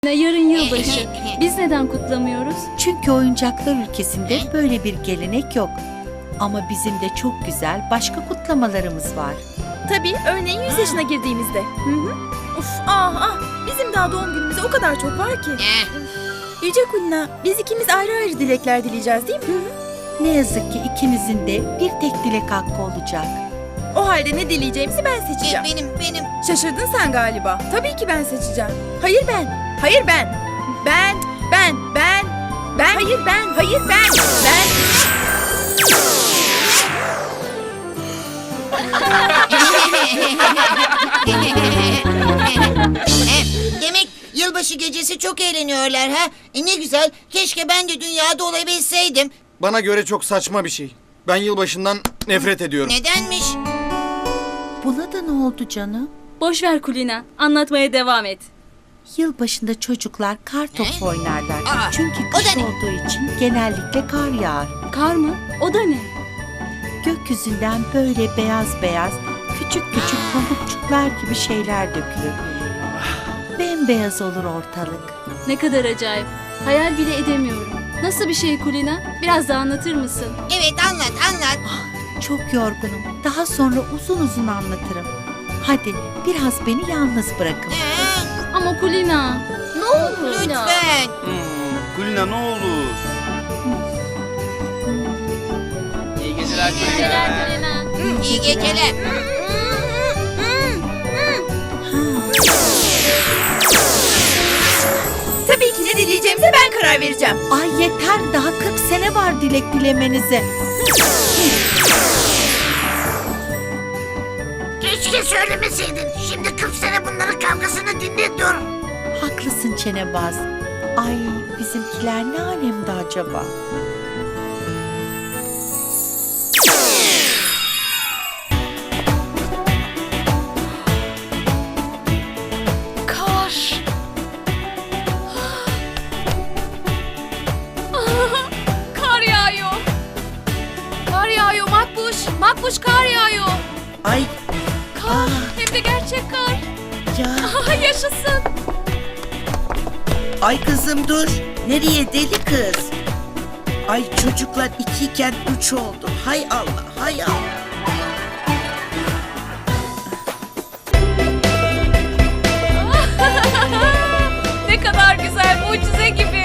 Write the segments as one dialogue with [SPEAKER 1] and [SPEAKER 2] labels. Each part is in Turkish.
[SPEAKER 1] Yarın yılbaşı. Biz neden kutlamıyoruz?
[SPEAKER 2] Çünkü oyuncaklar ülkesinde böyle bir gelenek yok. Ama bizim de çok güzel başka kutlamalarımız var.
[SPEAKER 3] Tabii, örneğin 100 yaşına girdiğimizde. Uf, bizim daha doğum günümüze o kadar çok var ki. Yüce Kulina, biz ikimiz ayrı ayrı dilekler dileyeceğiz değil mi?
[SPEAKER 2] Ne yazık ki ikimizin de bir tek dilek hakkı olacak.
[SPEAKER 3] O halde ne dileyeceğimizi ben seçeceğim.
[SPEAKER 4] Benim.
[SPEAKER 3] Şaşırdın sen galiba. Tabii ki ben seçeceğim. Hayır ben. Hayır ben. Ben. Hayır ben. Hayır ben. Ben.
[SPEAKER 4] Demek yılbaşı gecesi çok eğleniyorlar ha? Ne güzel. Keşke ben de dünyada olabilseydim.
[SPEAKER 5] Bana göre çok saçma bir şey. Ben yılbaşından nefret ediyorum.
[SPEAKER 4] Nedenmiş?
[SPEAKER 2] Buna da ne oldu canım?
[SPEAKER 1] Boş ver Kulina. Anlatmaya devam et.
[SPEAKER 2] Yılbaşında çocuklar kar topu oynarlar.
[SPEAKER 4] Aa,
[SPEAKER 2] Çünkü
[SPEAKER 4] o
[SPEAKER 2] kış
[SPEAKER 4] da ne?
[SPEAKER 2] olduğu için genellikle kar yağar.
[SPEAKER 1] Kar mı? O da ne?
[SPEAKER 2] Gökyüzünden böyle beyaz beyaz küçük küçük pamukçuklar gibi şeyler dökülür. Bembeyaz olur ortalık.
[SPEAKER 1] Ne kadar acayip. Hayal bile edemiyorum. Nasıl bir şey Kulina? Biraz daha anlatır mısın?
[SPEAKER 4] Evet anlat.
[SPEAKER 2] Çok yorgunum. Daha sonra uzun uzun anlatırım. Hadi biraz beni yalnız bırakın.
[SPEAKER 1] Ama Kulina. Ne olur?
[SPEAKER 4] Lütfen.
[SPEAKER 6] Kulina ne olur? İyi geceler Kulina.
[SPEAKER 4] İyi geceler.
[SPEAKER 3] Tabii ki ne dileyeceğimize ben karar vereceğim.
[SPEAKER 2] Ay yeter, daha 40 sene var dilek dilemenize.
[SPEAKER 7] Keşke söylemeseydin. Şimdi 40 sene bunların kavgasını dinletiyorum.
[SPEAKER 2] Haklısın çenebaz. Ay bizimkiler ne alemde acaba?
[SPEAKER 1] Kar. Kar yağıyor. Kar yağıyor Makbuş. Makbuş kar yağıyor.
[SPEAKER 2] Ay
[SPEAKER 1] Kar. Hem de gerçek kar.
[SPEAKER 2] ya.
[SPEAKER 1] Aha, yaşasın.
[SPEAKER 8] Ay kızım dur. Nereye deli kız? Ay çocuklar 2 iken 3 oldu. Hay Allah, hay Allah.
[SPEAKER 1] Ne kadar güzel, mucize gibi.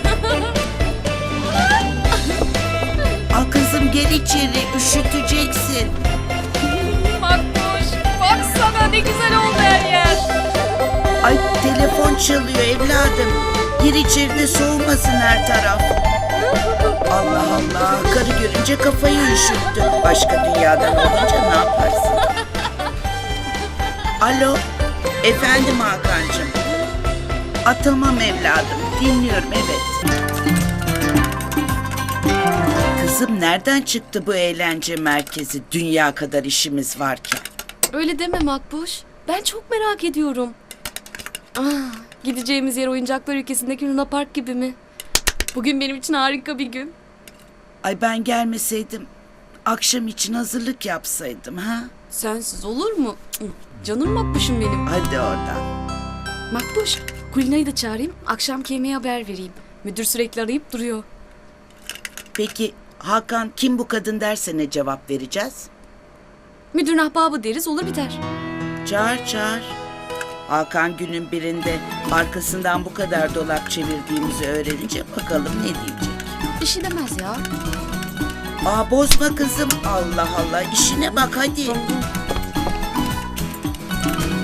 [SPEAKER 8] Al kızım gel içeri, üşüteceksin.
[SPEAKER 1] Makbuş, baksana ne güzel oldu her yer.
[SPEAKER 8] Ay telefon çalıyor evladım. Gir içeri de soğumasın her taraf. Allah Allah, karı görünce kafayı üşüttü. Başka dünyadan olunca ne yaparsın? Alo, efendim Hakan'cığım. Tamam evladım, dinliyorum evet. Kızım nereden çıktı bu eğlence merkezi? Dünya kadar işimiz varken.
[SPEAKER 9] Öyle deme Makbuş. Ben çok merak ediyorum. Gideceğimiz yer oyuncaklar ülkesindeki Luna Park gibi mi? Bugün benim için harika bir gün.
[SPEAKER 8] Ay ben gelmeseydim, akşam için hazırlık yapsaydım ha?
[SPEAKER 9] Sensiz olur mu? Canım Makbuş'um benim.
[SPEAKER 8] Hadi oradan.
[SPEAKER 9] Makbuş, Kulina'yı da çağırayım. Akşamki yemeğe haber vereyim. Müdür sürekli arayıp duruyor.
[SPEAKER 8] Peki Hakan kim bu kadın derse ne cevap vereceğiz?
[SPEAKER 9] Müdürün ahbabı deriz, olur biter.
[SPEAKER 8] Çağır. Hakan günün birinde arkasından bu kadar dolap çevirdiğimizi öğrenince bakalım ne diyecek.
[SPEAKER 9] Bir şey demez ya.
[SPEAKER 8] Bozma kızım. Allah Allah, işine bak hadi.